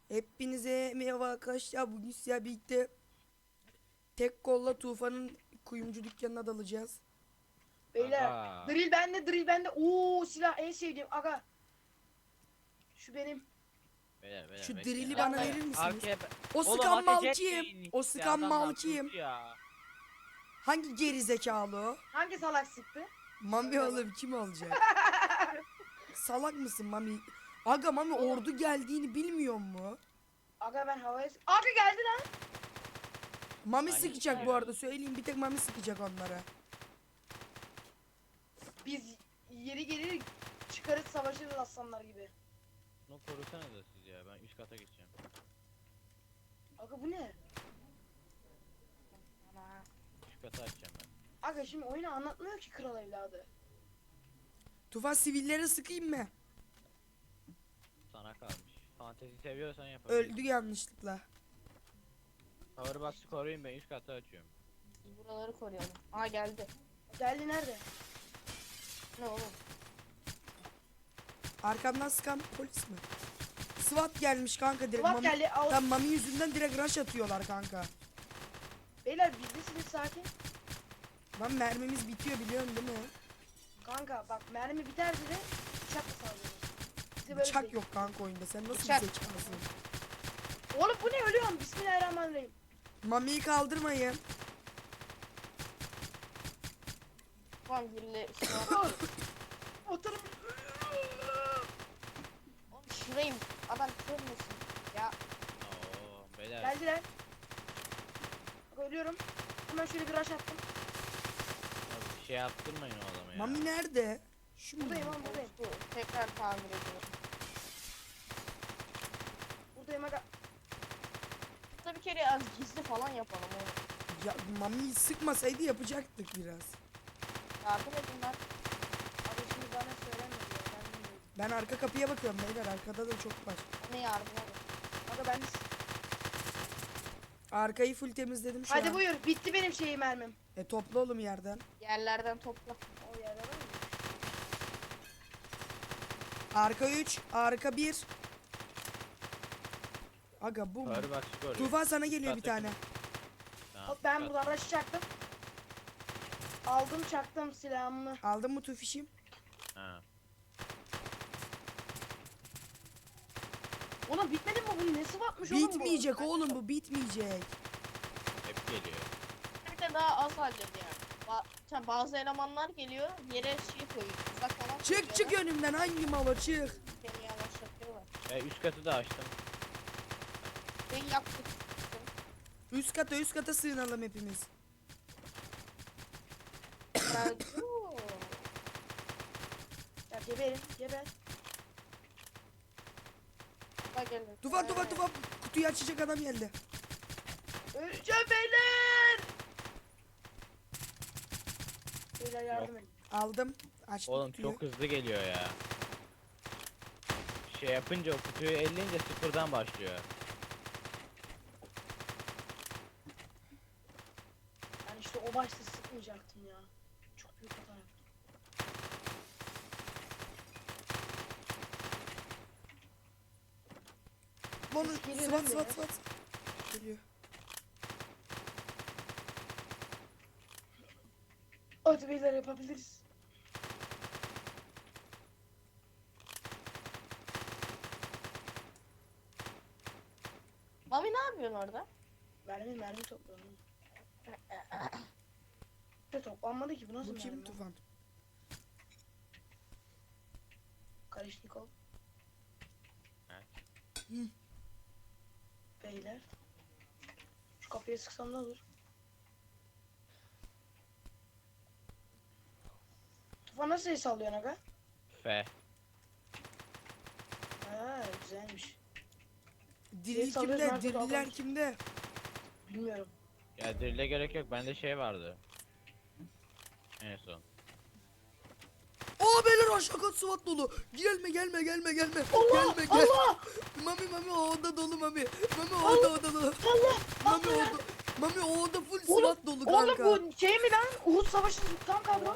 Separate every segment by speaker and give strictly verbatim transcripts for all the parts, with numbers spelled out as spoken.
Speaker 1: Hepinize merhaba arkadaşlar. Bugün sizlerle birlikte tek kolla Tufan'ın kuyumcu dükkanına dalacağız.
Speaker 2: Beyler
Speaker 3: Aga.
Speaker 2: drill bende drill bende. Oo silah en sevdiğim aga. Şu benim.
Speaker 3: Beyler, beyler,
Speaker 1: Şu
Speaker 3: bekleyin.
Speaker 1: drill'i
Speaker 3: Arkaya-
Speaker 1: bana verir misiniz?
Speaker 3: Arkaya...
Speaker 1: O
Speaker 3: Oğlum,
Speaker 1: sıkan mal
Speaker 3: ateş
Speaker 1: kim?
Speaker 3: etmeyin
Speaker 1: O
Speaker 3: işte,
Speaker 1: sıkan mal
Speaker 3: adamlar
Speaker 1: kim?
Speaker 3: suçlu ya.
Speaker 1: Hangi geri zekalı o?
Speaker 2: Hangi salak sıktı?
Speaker 1: Mami oğlum kim olacak? Salak mısın Mami? Aga Mami ordu geldiğini bilmiyor mu?
Speaker 2: Aga ben havaya sık- Aga geldi lan.
Speaker 1: Mami
Speaker 3: Ay,
Speaker 1: sıkacak
Speaker 3: ya.
Speaker 1: bu arada, söyleyeyim, bir tek Mami sıkacak onlara.
Speaker 2: Biz yeri gelir çıkarız savaşırız aslanlar gibi.
Speaker 3: Bunu korusanıza siz ya, ben üst kata geçeceğim.
Speaker 2: Aga bu ne?
Speaker 3: Üst kata açacağım ben.
Speaker 2: Aga şimdi oyunu anlatmıyor ki kral evladı.
Speaker 1: Tufan sivillere sıkayım mı?
Speaker 3: Sana kalmış. Fantezi seviyorsan yapabilirsin.
Speaker 1: Öldü yanlışlıkla.
Speaker 3: Powerbox'ı koruyun, ben üst kata açıyorum.
Speaker 4: Biz buraları koruyalım. Aa geldi.
Speaker 2: Geldi nerede?
Speaker 4: Ne oğlum?
Speaker 1: Arkamdan sıkan polis mi? SWAT gelmiş kanka direkt.
Speaker 2: Ulan
Speaker 1: Mami,
Speaker 2: geldi al.
Speaker 1: tam Mami yüzünden direkt rush atıyorlar kanka.
Speaker 2: Beyler bizdesiniz sakin.
Speaker 1: Lan mermimiz bitiyor biliyorsun değil mi?
Speaker 2: Kanka bak mermi biter de bıçakla saldırıyoruz. Bize böyle
Speaker 1: Bıçak
Speaker 2: bir-
Speaker 1: yok kanka oyunda. Sen nasıl
Speaker 4: Bıçak.
Speaker 1: bir zekalısın?
Speaker 2: Oğlum bu ne ölüyorum bismillahirrahmanirrahim.
Speaker 1: Mami'yi kaldırmayın.
Speaker 4: Tamam birle
Speaker 2: Oturum.
Speaker 4: Oğlum şurayım. Adam kırmasın. Ya
Speaker 3: Oo, beyler.
Speaker 2: Geldiler. Bak ölüyorum. Hemen şöyle bir rush attım.
Speaker 3: Bir şey yaptırmayın o adama ya.
Speaker 1: Mami nerede? Şu mu?
Speaker 2: Buradayım lan buradayım.
Speaker 4: bu tekrar tamir ediyorum.
Speaker 2: Buradayım aga.
Speaker 4: Burada bir kere az gizli falan yapalım oğlum.
Speaker 1: Ya Mami'yi sıkmasaydı yapacaktık biraz.
Speaker 4: Yardım edin lan.
Speaker 2: Abi şimdi bana söylenmedi ya. Ben bilmiyorum.
Speaker 1: Ben arka kapıya bakıyorum beyler. Arkada da çok var.
Speaker 4: Bana yardım edin.
Speaker 2: Aga ben de...
Speaker 1: Arkayı full temizledim şu
Speaker 2: Hadi
Speaker 1: an.
Speaker 2: buyur. Bitti benim şeyi mermim.
Speaker 1: E topla oğlum yerden.
Speaker 4: Yerlerden topla.
Speaker 2: O yerde var mı?
Speaker 1: Arka üç, arka bir. Aga bu mu?
Speaker 3: Powerbox'ı koruyun.
Speaker 1: Tufan sana geliyor bir
Speaker 3: Üst kattaki-
Speaker 1: tane.
Speaker 3: Tamam,
Speaker 2: Hop ben
Speaker 3: üst
Speaker 2: buradan rush çaktım. Aldım çaktım silahımı.
Speaker 1: Aldın mı Tufişim?
Speaker 3: kat- Ha.
Speaker 2: Oğlum bitmedi mi bu? Nesi batmış oğlum bu?
Speaker 1: Bitmeyecek oğlum bu, bitmeyecek.
Speaker 3: Hep geliyor.
Speaker 4: Bir de daha az halledin yani. Ba sen bazı elemanlar geliyor yere şey koyuyor. Uzak falan
Speaker 1: Çık çık önümden, hangi malo çık.
Speaker 4: Seni yavaşlatıyorlar.
Speaker 3: E, üst katı da açtım.
Speaker 4: Beni yaktık.
Speaker 1: Üst kata üst kata sığınalım hepimiz.
Speaker 4: Bravo.
Speaker 2: Ya geberin geber.
Speaker 4: Bak gelin.
Speaker 1: Tufan Tufan Tufan, kutuyu açacak adam geldi.
Speaker 2: Öleceğim beyler. Beyler yardım edin.
Speaker 1: Aldım. Açtım
Speaker 3: Oğlum
Speaker 1: kutuyu.
Speaker 3: çok hızlı geliyor ya. Şey yapınca o kutuyu elleyince sıfırdan başlıyor.
Speaker 2: Ben işte o başta sıkmayacaktım ya. Çok büyük hata yaptım.
Speaker 1: Bunu
Speaker 2: Ses geliyor
Speaker 1: sıvat
Speaker 2: lan
Speaker 1: sıvat
Speaker 2: biraz.
Speaker 1: sıvat. Geliyor.
Speaker 2: Hadi beyler yapabiliriz.
Speaker 4: Mami ne yapıyorsun orada?
Speaker 2: Mermi mermi toplayalım. Ne toplanmadı ki bu nasıl
Speaker 1: Bu kim
Speaker 2: mermi?
Speaker 1: Tufan?
Speaker 2: Karışnikov.
Speaker 3: Evet.
Speaker 1: Hı.
Speaker 2: Beyler. Şu kapıya sıksam ne olur? Tufan nasıl el sallıyorsun aga?
Speaker 3: F.
Speaker 2: Ha güzelmiş.
Speaker 1: Diril
Speaker 2: Ses alıyoruz,
Speaker 1: kimde?
Speaker 2: nerede
Speaker 1: Diriller
Speaker 2: kalmış?
Speaker 1: kimde?
Speaker 2: Bilmiyorum.
Speaker 3: Ya drill'e gerek yok, bende şey vardı. En son.
Speaker 1: Aa beyler aşağı kat SWAT dolu. Gelme gelme gelme gelme.
Speaker 2: Allah!
Speaker 1: Gelme gel.
Speaker 2: Allah!
Speaker 1: Mami Mami o oda dolu Mami. Mami o oda oda dolu.
Speaker 2: Allah!
Speaker 1: Mami
Speaker 2: Allah
Speaker 1: o
Speaker 2: ya!
Speaker 1: oda. Mami o oda full
Speaker 2: Oğlum,
Speaker 1: SWAT dolu kanka.
Speaker 2: Oğlum bu şey mi lan? Uhud Savaşı tam kadro.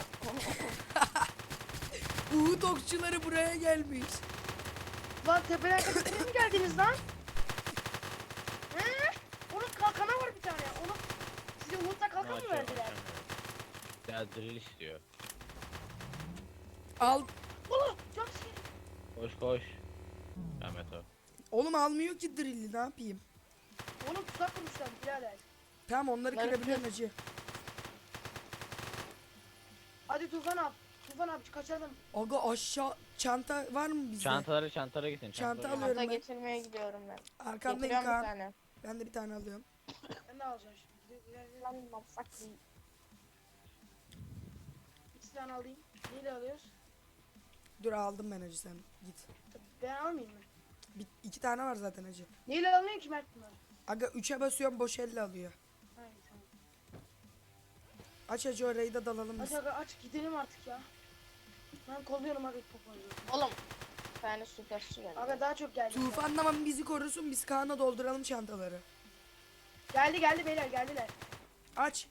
Speaker 1: Uhud okçuları buraya gelmiş.
Speaker 2: Lan tepeden tepeden mi geldiniz lan? tane ya. Oğlum size Umut'la kalkan mı
Speaker 3: Açıyorum,
Speaker 2: verdiler?
Speaker 3: açamıyorum. Ya drill istiyor.
Speaker 1: Al.
Speaker 2: Oğlum çok sinir.
Speaker 3: Koş koş. Ahmet o.
Speaker 1: Oğlum almıyor ki drill'i, ne yapayım?
Speaker 2: Oğlum tuzak kurmuşlar birader.
Speaker 1: Tamam onları
Speaker 4: Bunları
Speaker 1: kırabiliyorum
Speaker 4: kır.
Speaker 1: hacı.
Speaker 2: Hadi Tufan abi. Tufan abi kaçalım.
Speaker 1: Aga aşağı çanta var mı bizde?
Speaker 3: Çantaları çantalara gitsin.
Speaker 1: Çanta
Speaker 3: çantalara.
Speaker 1: alıyorum
Speaker 4: Çanta
Speaker 1: ben.
Speaker 4: getirmeye gidiyorum ben.
Speaker 1: Arkandayım
Speaker 4: Getiriyorum bir
Speaker 1: Kaan.
Speaker 4: tane.
Speaker 1: Ben de bir tane alıyorum.
Speaker 2: Ben de alacağım şimdi.
Speaker 4: Lan motherfucker.
Speaker 2: İki tane alayım. Neyle alıyoruz?
Speaker 1: Dur aldım ben hacı, sen git.
Speaker 2: Ben almayayım mı?
Speaker 1: Bir, iki tane var zaten hacı.
Speaker 2: Neyle alınıyor ki Mert bunlar?
Speaker 1: Aga üçe basıyorum, boş elle alıyor.
Speaker 2: Hayır tamam.
Speaker 1: Aç hacı, orayı da dalalım
Speaker 2: Aç
Speaker 1: biz.
Speaker 2: aga aç gidelim artık ya. Ben kolluyorum abi poponu.
Speaker 4: Oğlum. Bir tane suikastçı geldi.
Speaker 2: Aga daha çok geldi.
Speaker 1: Tufan tamam bizi korusun, biz Kaan'a dolduralım çantaları.
Speaker 2: Geldi geldi beyler geldiler.
Speaker 1: Aç.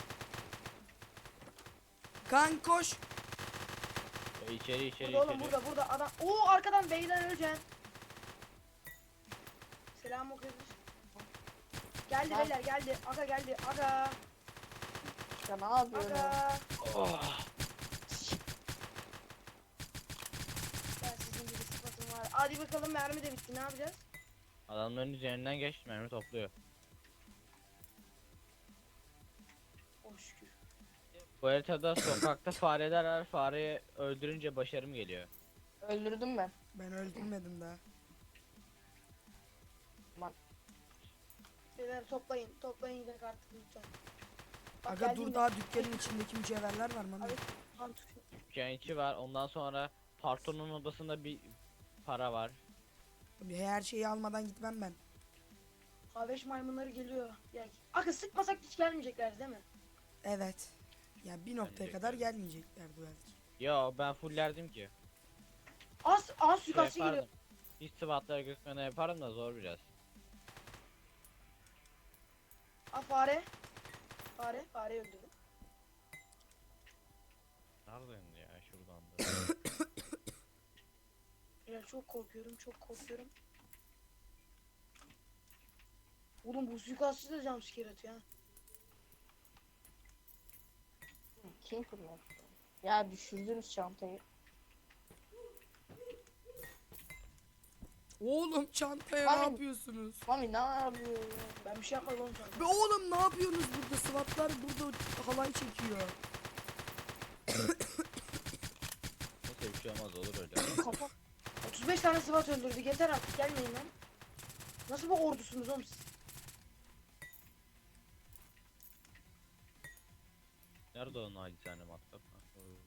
Speaker 1: Kaan koş.
Speaker 3: O içeri içeri
Speaker 2: Burada oğlum
Speaker 3: içeri.
Speaker 2: burada burada adam. Oo arkadan beyler öleceksin. Selam okuyoruz. Geldi
Speaker 4: Ben-
Speaker 2: beyler geldi. Aga geldi. Aga.
Speaker 4: Ya ne yapıyorum?
Speaker 2: Aga.
Speaker 3: Oh.
Speaker 2: Ben sizin gibi sıfatım var. Hadi bakalım mermi de bitti. Ne yapacağız?
Speaker 3: Adamların üzerinden geç, mermi topluyor.
Speaker 2: Oh şükür.
Speaker 3: Bu haritada sokakta fareler var. Fareyi öldürünce başarım geliyor.
Speaker 4: Öldürdüm ben.
Speaker 1: Ben öldürmedim daha.
Speaker 2: Beyler toplayın. Toplayın gidelim artık lütfen. Bak,
Speaker 1: Aga
Speaker 2: geldim
Speaker 1: dur,
Speaker 2: de.
Speaker 1: daha dükkanın içindeki mücevherler var mı?
Speaker 2: Abi, tamam, tut.
Speaker 3: Dükkançı var. Ondan sonra Parton'un odasında bir para var.
Speaker 1: Her şeyi almadan gitmem ben.
Speaker 2: Haveş maymunları geliyor. Gel. Aga sıkmasak hiç gelmeyecekler değil mi?
Speaker 1: Evet. Ya bir noktaya
Speaker 3: Gelecekler.
Speaker 1: kadar gelmeyeceklerdi belki.
Speaker 3: Yo ben fullerdim ki.
Speaker 2: Az az
Speaker 3: Şey
Speaker 2: suikastçı geliyor.
Speaker 3: yapardım. Hiç sıvatlara gözükmeden yaparım da zor biraz.
Speaker 2: Aa fare. Fare. Fare öldürdüm.
Speaker 3: Nereden ya şuradan da.
Speaker 2: Beyler çok korkuyorum. Çok korkuyorum. Oğlum bu suikastçı da jumpscare atıyor ha.
Speaker 4: Kim kurmuyor? Ya düşürdünüz çantayı.
Speaker 1: Oğlum çantaya
Speaker 4: Abi-
Speaker 1: ne yapıyorsunuz?
Speaker 4: Mami ne yapıyor ya?
Speaker 2: Ben bir şey yapmadım oğlum sana.
Speaker 1: Be oğlum ne yapıyorsunuz burada? SWAT'lar burada halay çekiyor.
Speaker 3: Neyse bir şey olmaz, olur öyle.
Speaker 4: Kapat.
Speaker 2: otuz beş tane SWAT öldürdük. Yeter artık gelmeyin lan. Nasıl bu ordusunuz oğlum siz?
Speaker 3: Nerede o nacizane matkap? Ha, o-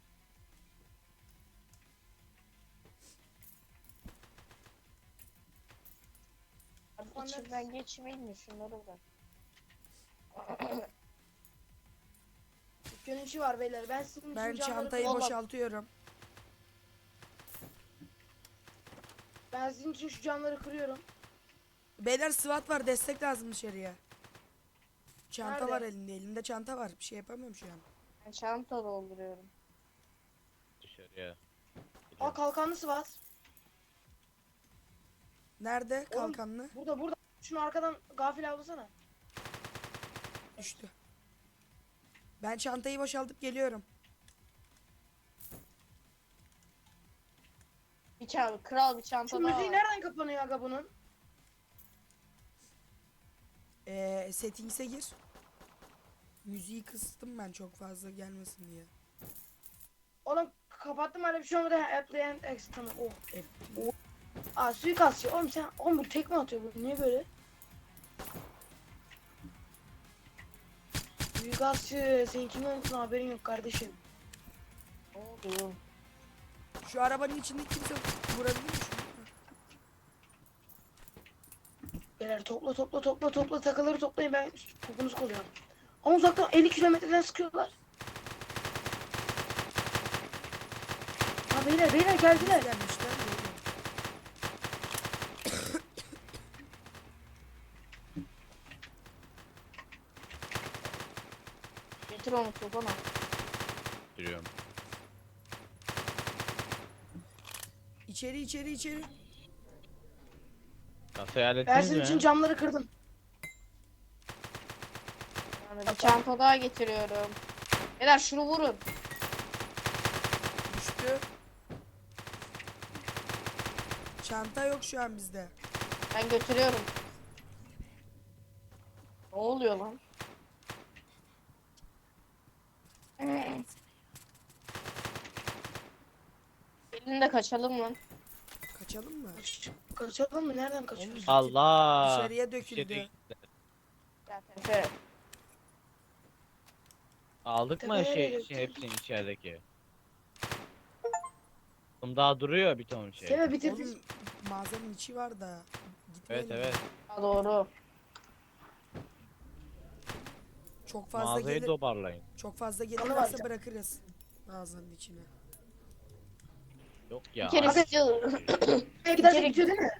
Speaker 4: Abi içimden geçmeyin mi şunları bırak.
Speaker 2: Dükkanın içi var beyler. Ben sizin için
Speaker 1: Ben
Speaker 2: camları
Speaker 1: çantayı
Speaker 2: kırıyorum.
Speaker 1: boşaltıyorum.
Speaker 2: Ben sizin için şu camları kırıyorum.
Speaker 1: Beyler SWAT var, destek lazım dışarıya. Çanta
Speaker 2: Nerede?
Speaker 1: var elinde. Elinde çanta var. Bir şey yapamıyorum şu an.
Speaker 4: Ben çanta dolduruyorum.
Speaker 3: Dışarıya.
Speaker 2: Aa kalkanlı SWAT.
Speaker 1: Nerede
Speaker 2: Oğlum-
Speaker 1: kalkanlı?
Speaker 2: Burada burada. Şunu arkadan gafil avlasana.
Speaker 1: Düştü. Ben çantayı boşaltıp geliyorum.
Speaker 4: Bir çanta, kral bir çanta
Speaker 2: Şu
Speaker 4: daha
Speaker 2: müziği
Speaker 4: var.
Speaker 2: nereden kapanıyor aga bunun?
Speaker 1: Ee, settings'e gir. Müziği kıstım ben çok fazla gelmesin diye.
Speaker 2: Oğlum kapattım hala bir şey olmadı. Apply and exit tamam. Oh.
Speaker 1: Hep
Speaker 2: Aa suikastçı. Oğlum sen oğlum bu tekme atıyor bu. Niye böyle? Suikastçı. Senin kimin olduğunu haberin yok kardeşim.
Speaker 4: Ne oldu?
Speaker 1: şu arabanın içinde kimse vurabilir mi şunu?
Speaker 2: Beyler topla topla topla topla takıları toplayın ben topunuzu koruyorum. Ama uzaktan elli kilometreden sıkıyorlar. Ha beyler beyler geldiler.
Speaker 1: Gelmişler. böyle.
Speaker 4: Getir onu tufana.
Speaker 3: Duruyorum.
Speaker 1: İçeri içeri içeri.
Speaker 3: Kasayı
Speaker 2: Ben
Speaker 3: hallettiniz
Speaker 2: sizin
Speaker 3: mi?
Speaker 2: için camları kırdım.
Speaker 4: Yani bir çanta daha getiriyorum. Beyler şunu vurun.
Speaker 1: Düştü. Çanta yok şu an bizde.
Speaker 4: Ben götürüyorum. Ne oluyor lan? Gelin de kaçalım lan.
Speaker 1: Kaçalım mı?
Speaker 2: Kaçalım mı? Nereden kaçıyoruz?
Speaker 3: Allah.
Speaker 1: Dışarıya döküldü.
Speaker 3: İçeri-
Speaker 4: Gel Tepe.
Speaker 3: Aldık mı
Speaker 2: Tepelere
Speaker 3: şey,
Speaker 2: döktüm.
Speaker 3: şey hepsini içerideki? Oğlum daha duruyor bir ton şey.
Speaker 2: Seve bitirdik.
Speaker 1: Oğlum mağazanın içi var da.
Speaker 3: Evet
Speaker 1: Gitmeyelim.
Speaker 3: evet.
Speaker 4: Ha, doğru.
Speaker 1: Çok fazla
Speaker 3: Mağazayı
Speaker 1: gelir.
Speaker 3: toparlayın.
Speaker 1: Çok fazla
Speaker 2: Onu
Speaker 1: gelirlerse
Speaker 2: vereceğim.
Speaker 1: bırakırız. Mağazanın içine.
Speaker 3: Yok ya.
Speaker 4: Bir kere
Speaker 3: abi.
Speaker 4: istiyor.
Speaker 2: Nereye gidersek
Speaker 4: Geri-
Speaker 2: bitiyor değil mi?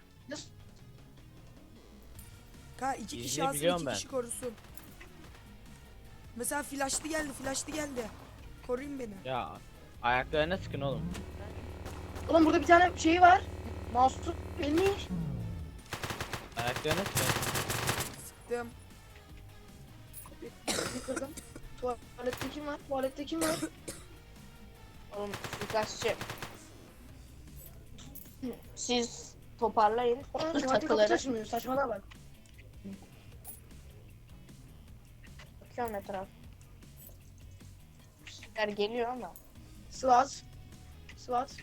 Speaker 1: Ka iki kişi
Speaker 3: Gizli
Speaker 1: alsın,
Speaker 3: biliyorum
Speaker 1: iki
Speaker 3: ben.
Speaker 1: kişi korusun. Mesela flashlı geldi, flashlı geldi. Koruyun beni.
Speaker 3: Ya ayaklarına sıkın oğlum.
Speaker 2: Ulan burada bir tane şey var. Mahsus elmiş.
Speaker 3: Ayaklarına sıkın.
Speaker 1: Sıktım.
Speaker 2: Bir kırdım. Tuvalette kim var? Tuvalette kim var?
Speaker 4: Oğlum suikastçı. Siz toparlayın.
Speaker 2: Ulan tuvalete kapı
Speaker 4: Takıları.
Speaker 2: taşımıyor. Saçmalığa bak.
Speaker 4: Bakıyorum etraf. Şeyler geliyor ama.
Speaker 2: SWAT. SWAT.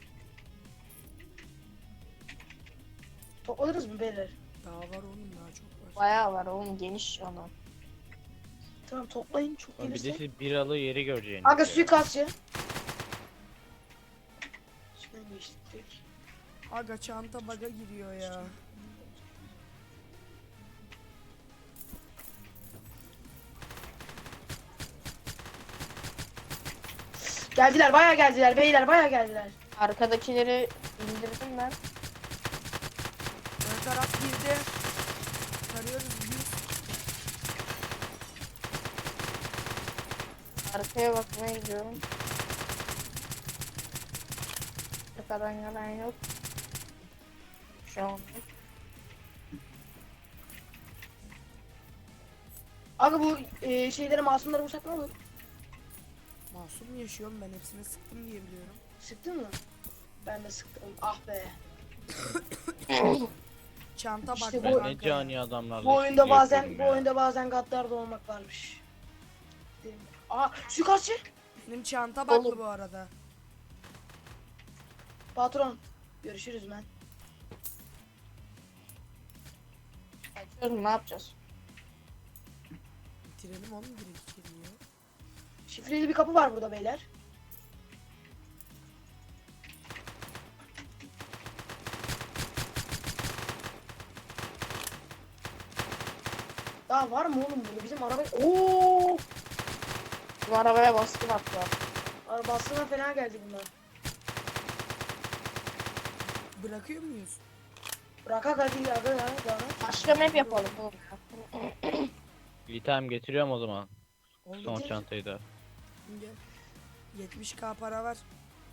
Speaker 2: Toplanırız mı beyler?
Speaker 1: Daha var oğlum, daha çok var.
Speaker 4: Bayağı var oğlum, geniş alan.
Speaker 2: Tamam toplayın çok
Speaker 3: Oğlum bir de
Speaker 2: gelirse.
Speaker 3: siz biralı yeri göreceğiniz.
Speaker 2: Kanka
Speaker 3: ya.
Speaker 2: suikastçı. İçinden geçtik direkt.
Speaker 1: Aga çanta baga giriyor ya.
Speaker 2: Geldiler bayağı geldiler beyler bayağı geldiler.
Speaker 4: Arkadakileri indirdim ben.
Speaker 1: Ön taraf girdi. Tarıyoruz biz.
Speaker 4: Arkaya bakmaya gidiyorum. Arkadan yalan yok. Şu an.
Speaker 2: Aga bu e, şeyleri masumları vursak ne olur?
Speaker 1: Masum yaşıyorum, ben hepsine sıktım diye biliyorum.
Speaker 2: Sıktın mı? Ben de sıktım. Ah be.
Speaker 1: Çanta
Speaker 2: İşte
Speaker 1: baktı
Speaker 2: bu-
Speaker 3: Ben
Speaker 1: kanka.
Speaker 3: ne cani adamlarla
Speaker 2: Bu oyunda
Speaker 3: işbirliği
Speaker 2: bazen
Speaker 3: yapıyorum
Speaker 2: bu
Speaker 3: ya.
Speaker 2: oyunda bazen gaddar da olmak varmış. Değil mi? Aa suikastçı.
Speaker 1: Benim çanta baklı
Speaker 4: Oğlum.
Speaker 1: bu arada.
Speaker 2: Patron. Görüşürüz ben.
Speaker 4: Açıyorum, ne yapacağız?
Speaker 1: Bitirelim oğlum direkt içeriye.
Speaker 2: Şifreli bir kapı var burada beyler. Daha var mı oğlum burada? Bizim araba... Oo!
Speaker 4: Bu arabaya baskın attılar.
Speaker 2: Arabasına fena geldi bunlar.
Speaker 1: Bırakıyor muyuz?
Speaker 2: Bırakak hadi aga ya. Daha.
Speaker 4: Başka map yapalım oğlum.
Speaker 3: İtem getiriyorum o zaman.
Speaker 1: Oğlum
Speaker 3: Son
Speaker 2: Getir.
Speaker 3: çantayı da.
Speaker 1: gel. yetmiş k para var.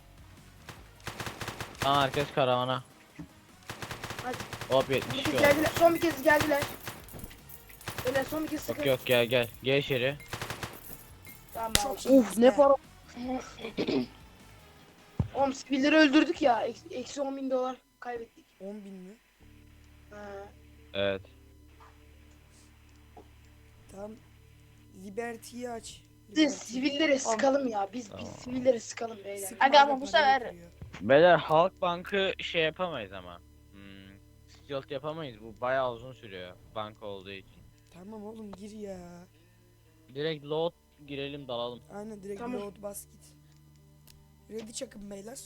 Speaker 3: Tamam herkes karavana.
Speaker 2: Hadi.
Speaker 3: Hop
Speaker 2: Son bir
Speaker 3: yetmiş
Speaker 2: kez
Speaker 3: oldu.
Speaker 2: geldiler. Son bir kez geldiler. Beyler son bir kez sıkın.
Speaker 3: Yok yok gel gel. Gel içeri.
Speaker 2: Tamam
Speaker 1: Çok
Speaker 2: abi.
Speaker 1: iyi.
Speaker 4: Uf ne para.
Speaker 2: Oğlum sivilleri öldürdük ya. Eksi, eksi on bin dolar kaybettik.
Speaker 1: on bin mi?
Speaker 2: Ha.
Speaker 3: Evet.
Speaker 1: Tamam. Liberty'yi aç.
Speaker 2: Biz
Speaker 1: Liberty.
Speaker 2: sivilleri sıkalım ya. Biz
Speaker 3: Tamam.
Speaker 2: biz sivilleri sıkalım beyler.
Speaker 1: Sıkma
Speaker 4: Aga ama
Speaker 1: aga,
Speaker 4: bu
Speaker 1: para
Speaker 4: sefer-
Speaker 1: yapıyor.
Speaker 3: Beyler Halk Bank'ı şey yapamayız ama. Hmm, Stealth yapamayız. Bu bayağı uzun sürüyor. Banka olduğu için.
Speaker 1: Tamam oğlum gir ya.
Speaker 3: Direkt load girelim dalalım.
Speaker 1: Aynen direkt
Speaker 2: Tamam.
Speaker 1: load bas git. Ready çakın beyler.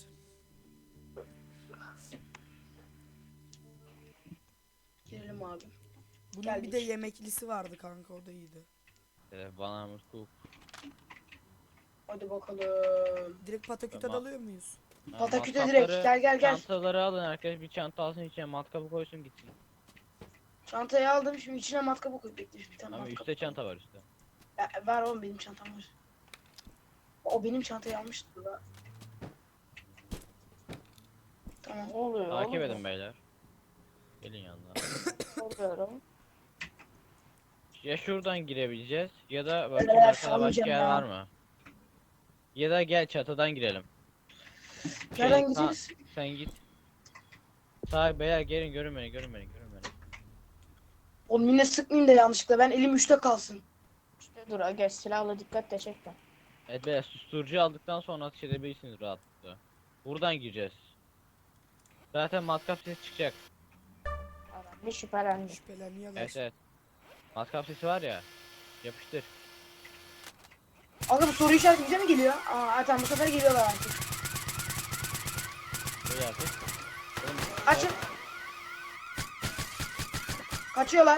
Speaker 2: Girelim abi.
Speaker 1: Bunun
Speaker 2: Geldik.
Speaker 1: bir de yemeklisi vardı kanka, o da iyiydi.
Speaker 3: Ee, bana mutlu.
Speaker 2: Hadi bakalım.
Speaker 1: Direkt pataküte
Speaker 3: Tamam.
Speaker 1: dalıyor muyuz?
Speaker 2: Pataküte direkt gel gel gel.
Speaker 3: Çantaları alın herkes bir çanta alsın içine matkabı koysun gitsin.
Speaker 2: Çantayı aldım şimdi içine matkabı koy. Bekle şimdi bir tane
Speaker 3: Ama
Speaker 2: matkap.
Speaker 3: üstte çanta var üstte.
Speaker 2: Ya, var oğlum benim çantam var. O benim çantayı almıştı da. Tamam.
Speaker 4: Ne oluyor
Speaker 3: Takip
Speaker 4: oğlum?
Speaker 3: edin beyler. Gelin yanına.
Speaker 4: Oluyorum.
Speaker 3: Ya şuradan girebileceğiz ya da bakayım
Speaker 2: Beyler,
Speaker 3: arkada başka
Speaker 2: salmayacağım
Speaker 3: yer
Speaker 2: ya.
Speaker 3: var mı? Ya da gel çatıdan girelim. Şey,
Speaker 2: Nereden
Speaker 3: sa-
Speaker 2: gideceğiz?
Speaker 3: sen git. Sağ beyler gelin görün beni görün beni görün beni.
Speaker 2: Oğlum yine sıkmayayım da yanlışlıkla. Ben elim üçte kalsın.
Speaker 4: İşte dur aga silahla dikkat de çekme.
Speaker 3: Evet beyler susturucu aldıktan sonra ateş edebilirsiniz rahatlıkla. Buradan gireceğiz. Zaten matkap sesi çıkacak.
Speaker 4: Adam bir şüphelendi.
Speaker 1: Şüpheleniyorlar.
Speaker 3: Evet evet. Matkap sesi var ya. Yapıştır.
Speaker 2: Aga bu soru işareti bize mi geliyor? Aa tamam bu sefer geliyorlar artık.
Speaker 3: Böyle artık. Oğlum,
Speaker 2: Açın. Kaçıyorlar.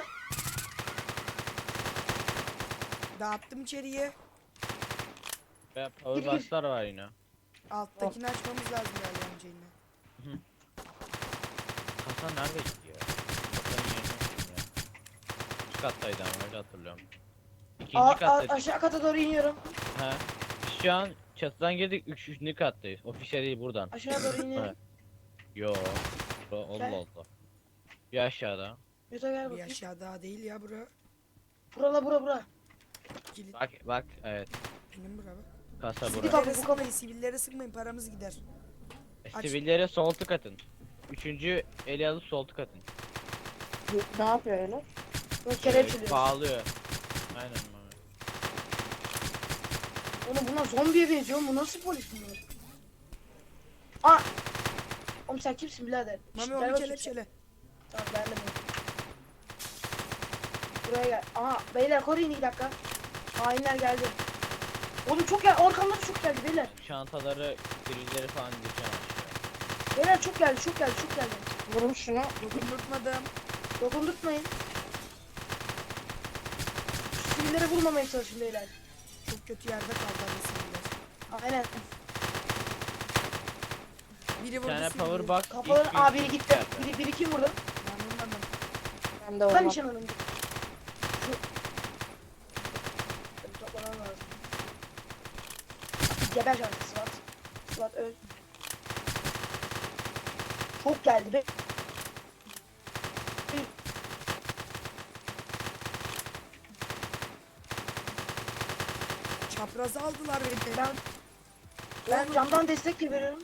Speaker 1: Dağıttım içeriye.
Speaker 3: Ben powerbox'lar var yine.
Speaker 1: Alttakini açmamız lazım galiba önce yine.
Speaker 3: Hasan nerede gitti ya? Hasan'ın yerine gittim ya. Üst kattaydı ama öyle hatırlıyorum. İkinci
Speaker 2: Aa, a-
Speaker 3: kattaydı.
Speaker 2: aşağı kata doğru iniyorum.
Speaker 3: Ha. Biz şu an çatıdan girdik. Üç, üçüncü kattayız. Ofise değil buradan.
Speaker 2: Aşağı doğru iniyorum.
Speaker 3: Evet. Yo. Bro, Allah
Speaker 2: Gel.
Speaker 3: Allah. Bir aşağıda.
Speaker 2: Yuta gel
Speaker 1: Bir
Speaker 2: bakayım.
Speaker 1: aşağı daha değil ya bura.
Speaker 2: Burala bura bura.
Speaker 1: Kilit
Speaker 3: Bak bak evet.
Speaker 1: benim bura bak.
Speaker 3: Kasa
Speaker 2: Sizi
Speaker 3: burası.
Speaker 2: kap-
Speaker 1: Sivillere sıkmayın, sivillere sıkmayın, paramız gider. aç.
Speaker 3: Sivillere sol tık atın. Üçüncü eli alıp sol tık atın.
Speaker 4: Ne yapıyor öyle?
Speaker 2: Böyle
Speaker 3: Ee,
Speaker 2: kelepçeliyor.
Speaker 3: Bağlıyor. Aynen abi.
Speaker 2: Oğlum bunlar zombiye benziyor. Bu nasıl polis bunlar? Aa! Oğlum sen kimsin birader? Şşt,
Speaker 1: Mami
Speaker 2: gel
Speaker 1: onu
Speaker 2: bakayım
Speaker 1: kelepçele.
Speaker 2: sen. Tamam ben de bunu. Buraya gel. Aha beyler koruyun iki dakika. Hainler geldi. Oğlum çok gel. Arkamda da çok geldi beyler.
Speaker 3: Çantaları, grilleri falan indireceğim aşağıya.
Speaker 2: Beyler çok geldi çok geldi çok geldi.
Speaker 4: Vurum şunu.
Speaker 1: Dokundurtmadım.
Speaker 2: Dokundurtmayın. Şu sivilleri vurmamaya çalışın beyler.
Speaker 1: Çok kötü yerde kaldı abi siviller.
Speaker 2: Aynen.
Speaker 1: Biri
Speaker 3: Bir
Speaker 1: vurdu
Speaker 3: tane
Speaker 1: sivilleri.
Speaker 3: power box.
Speaker 2: Kafaların
Speaker 3: ilk
Speaker 2: aa biri
Speaker 3: bir-
Speaker 2: gitti. Biri, biri kim vurdu?
Speaker 1: Ben vurmadım.
Speaker 4: Ben de
Speaker 2: Ben
Speaker 4: vurmam.
Speaker 2: nişan alındım. Şu... Benim toplamam lazım. Geber şarkı Sıvat. Sıvat öl. Çok geldi be.
Speaker 1: Çaprazı aldılar beni.
Speaker 2: Ben, ben camdan destek de veriyorum.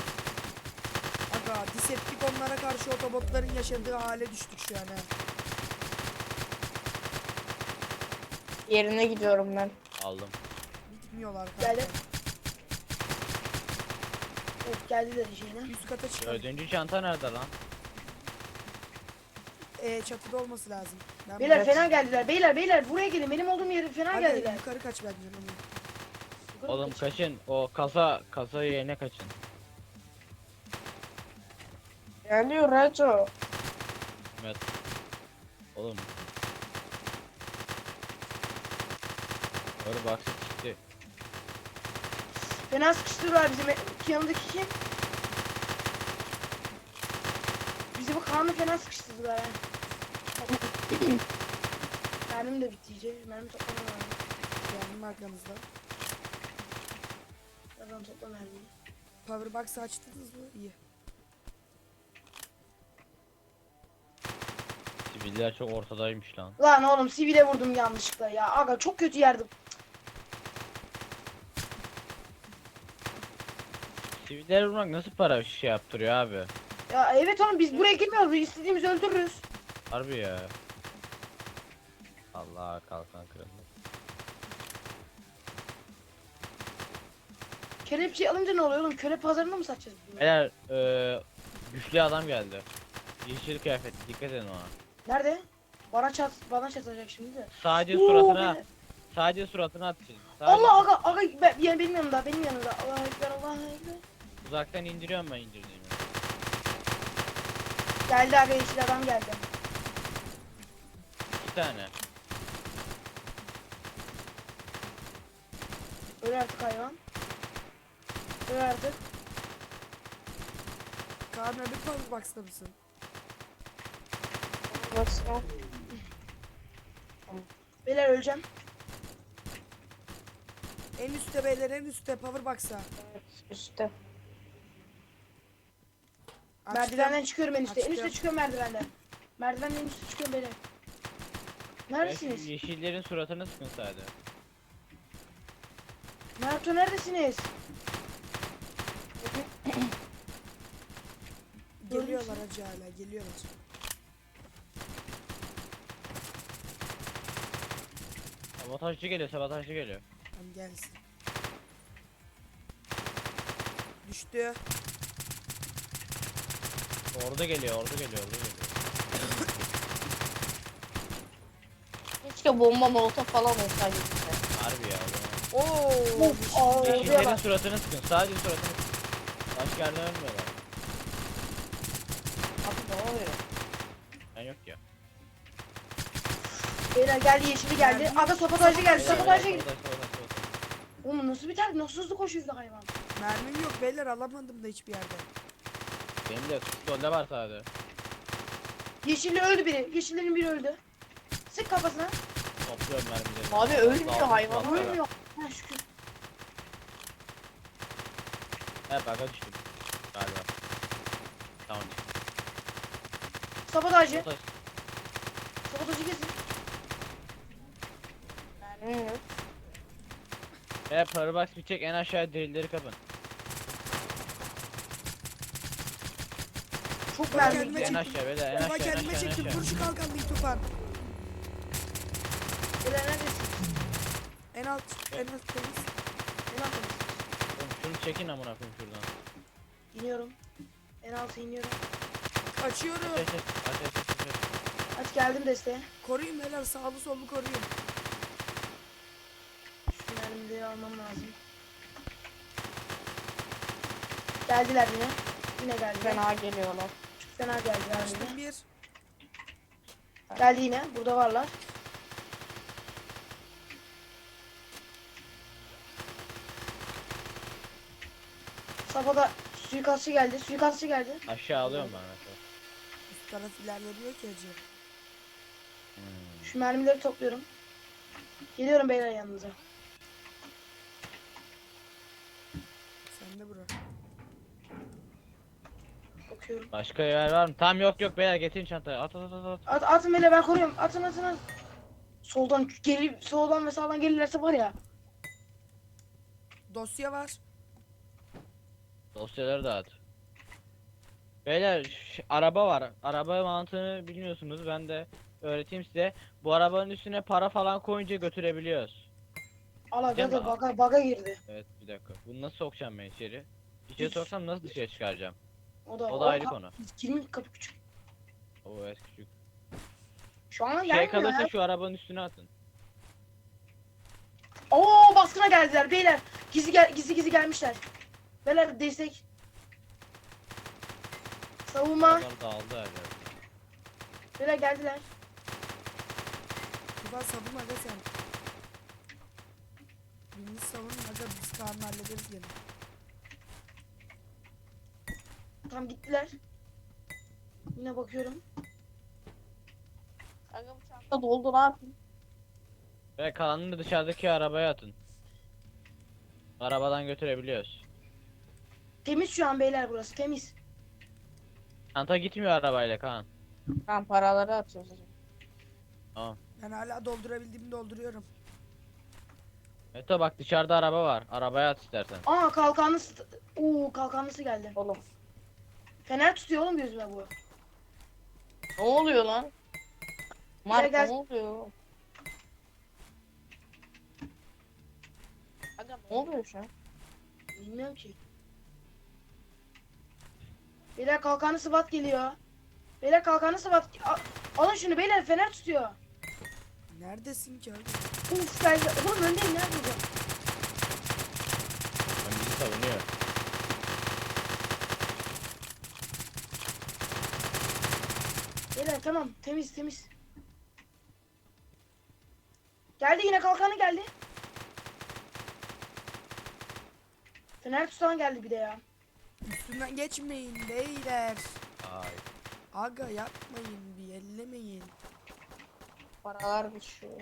Speaker 1: Aga Decepticonlara karşı otobotların yaşadığı hale düştük şu an ha.
Speaker 4: Yerine gidiyorum ben.
Speaker 3: Aldım.
Speaker 1: Bitmiyorlar kanka.
Speaker 2: Geldi. Evet geldiler şeyine.
Speaker 1: Üst kata çıkalım.
Speaker 3: Dördüncü çanta nerede lan?
Speaker 1: Ee, çatıda olması lazım. Ben
Speaker 2: Beyler
Speaker 1: buraya-
Speaker 2: fena geldiler. Beyler beyler buraya gelin. Benim olduğum yere fena
Speaker 1: Hadi
Speaker 2: geldiler.
Speaker 1: yukarı kaç bence. Mami.
Speaker 2: Yukarı
Speaker 3: Oğlum
Speaker 2: kaç.
Speaker 3: kaçın. O kasa kasa yerine kaçın.
Speaker 4: Geliyor Reco.
Speaker 3: Evet. Oğlum. Power box'ı çıktı.
Speaker 2: Fena sıkıştırıyorlar bizim e- yanındaki kim? Bizi bu Kaan'ı fena sıkıştırdılar ha. Mermim de bitti iyice. Mermi toplamam lazım.
Speaker 1: Geldim arkanızda.
Speaker 2: Birazdan topla mermiyi.
Speaker 1: Powerbox'ı açtınız mı? İyi.
Speaker 3: Siviller çok ortadaymış lan.
Speaker 2: Lan oğlum sivile vurdum yanlışlıkla ya. Aga çok kötü yerdim.
Speaker 3: Siviller vurmak nasıl para şey yaptırıyor abi?
Speaker 2: Ya evet oğlum biz buraya girmiyoruz. Biz istediğimizi öldürürüz.
Speaker 3: Harbi ya. Allah kalkan kırıldı.
Speaker 2: Kelepçeyi alınca ne oluyor oğlum? Köle pazarında mı satacağız bunu?
Speaker 3: Beyler eee güçlü adam geldi. Yeşil kıyafetli dikkat edin ona.
Speaker 2: Nerede? Bana çat bana çatacak şimdi de.
Speaker 3: Sadece
Speaker 2: Oo,
Speaker 3: suratına
Speaker 2: beyler.
Speaker 3: sadece suratına atacağız. Sadece
Speaker 2: Allah aga aga ben, yani benim yanımda benim yanımda. Allah ekber Allah ekber.
Speaker 3: uzaktan indiriyorum ben indirdiğimi.
Speaker 2: Geldi aga yeşil adam geldi.
Speaker 3: İki tane.
Speaker 2: Öl artık hayvan. Öl artık.
Speaker 1: Kaan öbür Powerbox'ta mısın?
Speaker 4: Nasıl?
Speaker 2: Beyler öleceğim.
Speaker 1: En üstte beyler, en üstte Powerbox'a.
Speaker 4: Evet, üstte.
Speaker 1: Açtım.
Speaker 2: Merdivenden çıkıyorum en üstte. En üstte
Speaker 1: Açtım.
Speaker 2: çıkıyorum merdivenden. Merdivenden en üstte çıkıyorum beyler. Neredesiniz?
Speaker 3: Yeşillerin suratını sıkın sadece.
Speaker 2: Naruto neredesiniz?
Speaker 1: Geliyorlar hacı hala geliyorlar.
Speaker 3: Sabotajcı geliyor, sabotajcı geliyor.
Speaker 1: Tamam gelsin. Düştü.
Speaker 3: Orada geliyor, orada geliyor, orada geliyor.
Speaker 4: Keşke bomba molotof falan olsaydı bize.
Speaker 3: Harbi ya.
Speaker 1: Oo.
Speaker 2: Of, aa, oraya
Speaker 3: Yeşillerin
Speaker 2: bak.
Speaker 3: suratını sıkın, sadece suratını sıkın. Başka yerden ölmüyorlar.
Speaker 4: Abi ne oluyor?
Speaker 3: Ben yok ya.
Speaker 2: Beyler geldi, yeşili geldi. Aga sabotajcı geldi,
Speaker 3: Beyler,
Speaker 2: sabotajcı
Speaker 3: beyler,
Speaker 2: geldi.
Speaker 3: sabotaj, sabotaj, sabotaj.
Speaker 2: Oğlum nasıl biter? Nasıl hızlı koşuyor bir de hayvan?
Speaker 1: Mermim yok beyler alamadım da hiçbir yerde.
Speaker 3: Benim de pistolde var sadece.
Speaker 2: Yeşilli öldü biri. Yeşillerin biri öldü. Sık kafasına.
Speaker 3: Topluyorum mermileri.
Speaker 4: Abi ölmüyor
Speaker 3: Daldım
Speaker 4: hayvan,
Speaker 3: silahlara.
Speaker 2: Ölmüyor. Ha şükür.
Speaker 3: Hep aga düştüm. Galiba. Tamam.
Speaker 2: Sabotajcı.
Speaker 3: Sabotaj.
Speaker 2: Sabotajcı kesin.
Speaker 4: Mermim yok.
Speaker 3: Hep parabox bitecek, en aşağıya drillleri kapın.
Speaker 2: Çok
Speaker 1: Ben
Speaker 2: mermi.
Speaker 1: kendime
Speaker 3: En
Speaker 1: çektim.
Speaker 3: aşağı beyler, en
Speaker 1: Baba
Speaker 3: aşağı, en
Speaker 1: kendime
Speaker 3: aşağı, en
Speaker 1: çektim.
Speaker 3: aşağı.
Speaker 1: Vur şu kalkanlıyı Tufan.
Speaker 2: Beyler neredesin?
Speaker 1: En alt, en alt temiz.
Speaker 2: En altındasın.
Speaker 3: Oğlum şunu çekin amına koyayım şuradan.
Speaker 2: İniyorum. En alta iniyorum.
Speaker 1: Açıyorum.
Speaker 3: Ateş et, ateş et, ateş et.
Speaker 2: Aç geldim desteğe.
Speaker 1: Koruyun beyler sağlı sollu koruyun.
Speaker 2: Şu mermileri almam lazım. Geldiler yine. Yine geldiler.
Speaker 4: Fena geliyorlar.
Speaker 2: Çok fena geldiler yine.
Speaker 1: Açtım bir.
Speaker 2: Geldi yine. Burada varlar. Safada suikastçı geldi. Suikastçı geldi.
Speaker 3: Aşağı alıyorum ben aşağı.
Speaker 1: Üst taraf ilerlemiyor ki hacı.
Speaker 3: Hmm.
Speaker 2: Şu mermileri topluyorum. Geliyorum beyler yanınıza.
Speaker 1: Sen de bura.
Speaker 2: Bakıyorum.
Speaker 3: Başka yer var mı? Tamam yok yok beyler getirin çantayı. At at at at.
Speaker 2: At, atın beyler ben koruyorum. Atın atın atın. Soldan geri, soldan ve sağdan gelirlerse var ya.
Speaker 1: Dosya var.
Speaker 3: Dosyaları da at. Beyler ş- araba var. Araba mantığını bilmiyorsunuz. Ben de öğreteyim size. Bu arabanın üstüne para falan koyunca götürebiliyoruz.
Speaker 2: Al aga
Speaker 3: Cem
Speaker 2: da
Speaker 3: abi.
Speaker 2: baga, baga girdi.
Speaker 3: Evet bir dakika. Bunu nasıl sokacağım ben içeri? İçeri soksam nasıl dışarı çıkaracağım?
Speaker 2: O da,
Speaker 3: O da ayrı
Speaker 2: ka-
Speaker 3: konu.
Speaker 2: Kimin kapı küçük.
Speaker 3: Oo evet küçük.
Speaker 2: Şu an
Speaker 3: Şey
Speaker 2: gelmiyor
Speaker 3: kalırsa
Speaker 2: ya.
Speaker 3: şu arabanın üstüne atın.
Speaker 2: Oo baskına geldiler beyler. Gizli gel gizli gizli gelmişler. Beyler destek. Savunma.
Speaker 3: Arabalar dağıldı her yerde.
Speaker 2: Beyler geldiler.
Speaker 1: Tufan savun aga sen. Birini savun aga biz Kaan'la hallederiz gene.
Speaker 2: Tam gittiler. Yine bakıyorum.
Speaker 4: Aga bu çanta doldu ne yapayım?
Speaker 3: Ve kalanını dışarıdaki arabaya atın. Arabadan götürebiliyoruz.
Speaker 2: Temiz şu an beyler burası temiz.
Speaker 3: Çanta gitmiyor arabayla Kaan.
Speaker 4: Ben paraları atıyoruz.
Speaker 3: Tamam.
Speaker 1: Ben hala doldurabildiğimi dolduruyorum.
Speaker 3: Meto bak dışarıda araba var. Arabaya at istersen.
Speaker 2: Aa kalkanlısı. Oo kalkanlısı geldi.
Speaker 4: Oğlum.
Speaker 2: Fener tutuyor oğlum gözüme bu.
Speaker 4: Ne oluyor lan? Mark
Speaker 2: gel.
Speaker 4: ne oluyor? Aga ne oluyor şu an?
Speaker 2: Bilmiyorum ki. Beyler kalkanlı sıvat geliyor. Beyler kalkanlı sıvat. A- Alın şunu beyler fener tutuyor.
Speaker 1: Neredesin ki abi?
Speaker 2: Uf geldi. Oğlum öndeyim nerede bu?
Speaker 3: Ben bizi savunuyor.
Speaker 2: Beyler tamam temiz temiz. Geldi yine kalkanı geldi. Fener tutan geldi bir de ya.
Speaker 1: Üstünden geçmeyin beyler.
Speaker 3: Ay.
Speaker 1: Aga yapmayın bir ellemeyin.
Speaker 4: Paralar düşüyor.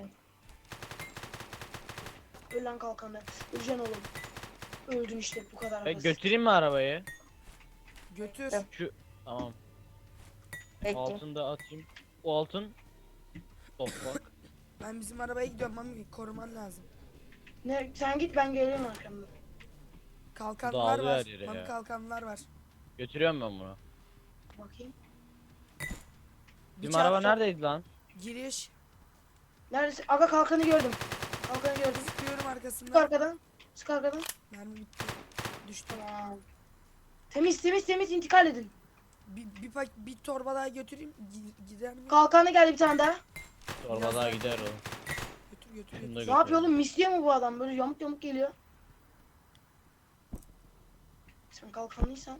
Speaker 2: Öl lan kalkanı. Öleceksin oğlum. Öldün işte bu kadar
Speaker 3: Ve
Speaker 2: basit.
Speaker 3: götüreyim mi arabayı?
Speaker 1: Götür.
Speaker 4: Evet.
Speaker 3: Şu tamam.
Speaker 4: Bekle.
Speaker 3: Altını da atayım. O altın. Toprak.
Speaker 1: Ben bizim arabaya gidiyorum Mami, koruman lazım.
Speaker 2: Ne, sen git ben geliyorum arkamda.
Speaker 1: Kalkanlar
Speaker 3: Dağılıyor
Speaker 1: var.
Speaker 3: her yere
Speaker 1: Mami
Speaker 3: ya.
Speaker 1: kalkanlar var.
Speaker 3: Götürüyorum ben bunu.
Speaker 2: Bakayım.
Speaker 3: Bizim
Speaker 1: Bıçak-
Speaker 3: araba neredeydi lan?
Speaker 1: Giriş.
Speaker 2: Neredesin? Aga kalkanı gördüm. Kalkanı gördüm.
Speaker 1: Sıkıyorum
Speaker 2: Sık
Speaker 1: arkasından.
Speaker 2: arkadan. Sık arkadan.
Speaker 1: Mermi bitti. Düştü.
Speaker 2: Tamam. Temiz temiz temiz intikal edin.
Speaker 1: Bir, bir, pak- bir torba daha götüreyim. Gi- Gider mi?
Speaker 2: Kalkanı geldi bir tane daha.
Speaker 3: Torba
Speaker 1: Biraz
Speaker 3: daha
Speaker 1: daha-
Speaker 3: gider oğlum.
Speaker 1: Götür götür
Speaker 3: Şunu da
Speaker 1: götür.
Speaker 2: Ne yapıyor oğlum? Misliyor mu bu adam? Böyle yamuk yamuk geliyor. Sen kalkanlıysan.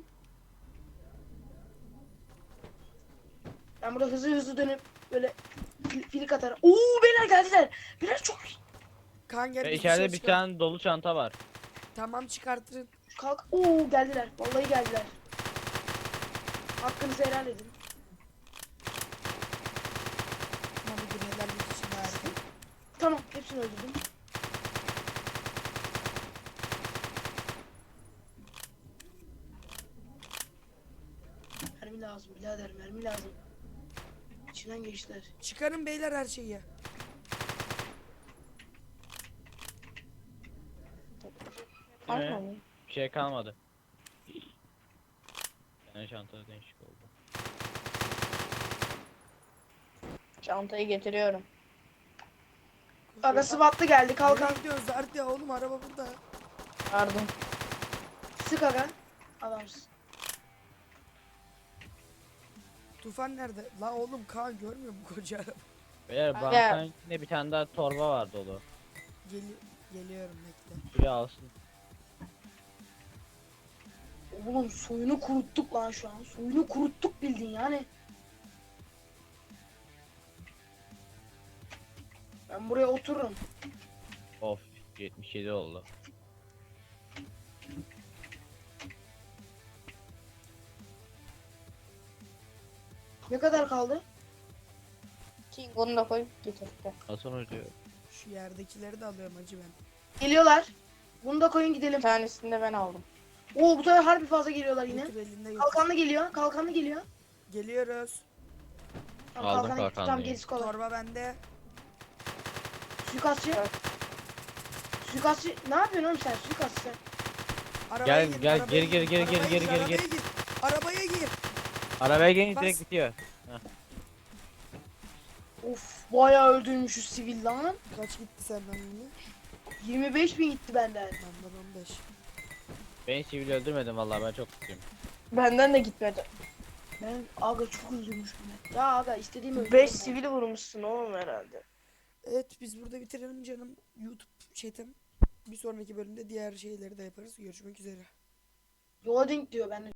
Speaker 2: Ben burada hızlı hızlı dönüp böyle fil- filik atarım. Oo beyler geldiler. Beyler çok iyi.
Speaker 1: Kan gel.
Speaker 3: Ve
Speaker 1: biz
Speaker 3: içeride
Speaker 1: dışarı
Speaker 3: bir
Speaker 1: çıkalım.
Speaker 3: tane dolu çanta var.
Speaker 1: Tamam çıkartırın.
Speaker 2: Kalk. Oo geldiler. Vallahi geldiler. Hakkınızı helal edin.
Speaker 1: Mami bir helallik için harika.
Speaker 2: Tamam hepsini öldürdüm. Mermi lazım birader mermi lazım. İçinden geçtiler.
Speaker 1: Çıkarın beyler her şeyi.
Speaker 3: Değil mi? Bir şey kalmadı. Yani çantada değişik oldu.
Speaker 4: Çantayı getiriyorum.
Speaker 2: Aga SWAT'lı geldi kalkan.
Speaker 1: Nereye gidiyoruz Arda oğlum, araba burada.
Speaker 4: Yardım.
Speaker 2: Sık aga. Adamsın.
Speaker 1: Tufan nerede? La oğlum Kaan görmüyor mu koca araba?
Speaker 3: Beyler
Speaker 4: Aga.
Speaker 3: bankanın içinde bir tane daha torba var dolu.
Speaker 1: Geli geliyorum bekle.
Speaker 3: Biri alsın.
Speaker 2: Oğlum soyunu kuruttuk lan şu an. Soyunu kuruttuk bildin yani. Ben buraya otururum.
Speaker 3: Of yetmiş yedi oldu.
Speaker 2: Ne kadar kaldı?
Speaker 4: King onu da koy getir. Gel.
Speaker 3: Nasıl ödüyor?
Speaker 1: Şu yerdekileri de alıyorum hacı ben.
Speaker 2: Geliyorlar. Bunu da koyun
Speaker 4: Bir
Speaker 2: gidelim.
Speaker 4: tanesini de ben aldım.
Speaker 2: Oo bu sefer harbi fazla geliyorlar yine.
Speaker 1: Götür elinde götür.
Speaker 2: Kalkanlı geliyor. Kalkanlı geliyor.
Speaker 1: Geliyoruz.
Speaker 2: Tamam,
Speaker 3: Aldım
Speaker 2: kalkanı gitti. Tamam
Speaker 3: kalkanlıyı.
Speaker 2: gerisi kolay.
Speaker 1: Torba bende.
Speaker 2: Suikastçı.
Speaker 4: Evet.
Speaker 2: Suikastçı. Ne yapıyorsun oğlum sen? Suikastçı sen.
Speaker 1: Arabaya
Speaker 3: Gel,
Speaker 1: gir,
Speaker 3: gel,
Speaker 1: arabaya
Speaker 3: gir, gir, gir,
Speaker 1: arabaya
Speaker 3: gir, gir, gir,
Speaker 1: arabaya
Speaker 3: gir.
Speaker 1: Arabaya gir.
Speaker 3: Arabaya gelince
Speaker 1: Bas.
Speaker 3: direkt bitiyor.
Speaker 2: Of bayağı öldürmüşüz sivil lan.
Speaker 1: Kaç gitti senden yine?
Speaker 2: yirmi beş bin gitti benden.
Speaker 1: Benden on beş.
Speaker 3: Ben sivil öldürmedim vallahi ben çok mutluyum.
Speaker 4: Benden de gitmedi.
Speaker 2: Ben aga çok öldürmüşüm ben. Ya aga istediğim öldürdüm.
Speaker 4: beş
Speaker 2: ben.
Speaker 4: sivil vurmuşsun oğlum herhalde.
Speaker 1: Evet biz burada bitirelim canım. YouTube chatim. Bir sonraki bölümde diğer şeyleri de yaparız. Görüşmek üzere.
Speaker 2: Loading diyor ben.